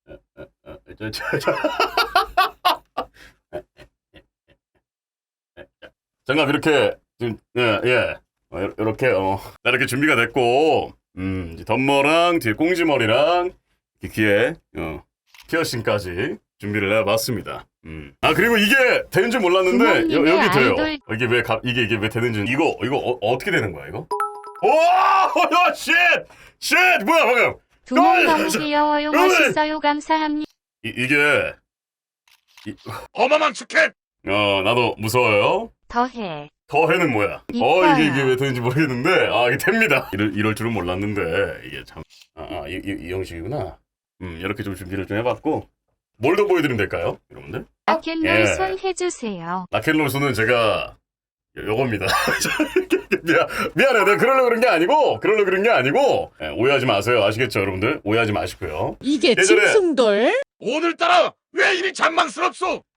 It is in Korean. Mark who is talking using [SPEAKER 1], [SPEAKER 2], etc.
[SPEAKER 1] 장갑 이렇게 지금 예. 이렇게 이렇게 준비가 됐고 이제 덤머랑 뒤에 꽁지머리랑 귀에 피어싱까지 준비를 해봤습니다. 아 그리고 이게 되는 줄 몰랐는데 여기 돼요. 이게 이게 왜 되는지 이거 어떻게 되는 거야 이거? 오! 쉣! 뭐야 방금?
[SPEAKER 2] 두목 너무 귀여워요. 멋있어요. 감사합니다.
[SPEAKER 1] 이게
[SPEAKER 3] 어마망 치킨!
[SPEAKER 1] 나도 무서워요.
[SPEAKER 2] 더해.
[SPEAKER 1] 더해는 뭐야?
[SPEAKER 2] 이뻐요.
[SPEAKER 1] 이게 왜 되는지 모르겠는데 이게 됩니다. 이럴 줄은 몰랐는데 이게 참 이 형식이구나. 이렇게 좀 준비를 좀 해봤고 뭘 더 보여드리면 될까요, 여러분들?
[SPEAKER 2] 라켓롤 손 해주세요.
[SPEAKER 1] 라켓롤 손은 제가 요겁니다. 미안해, 내가 그러려고 그런 게 아니고 오해하지 마세요. 아시겠죠, 여러분들? 오해하지 마시고요.
[SPEAKER 4] 이게
[SPEAKER 1] 예전에-
[SPEAKER 4] 짐승돌?
[SPEAKER 3] 오늘따라 왜 이리 장망스럽소?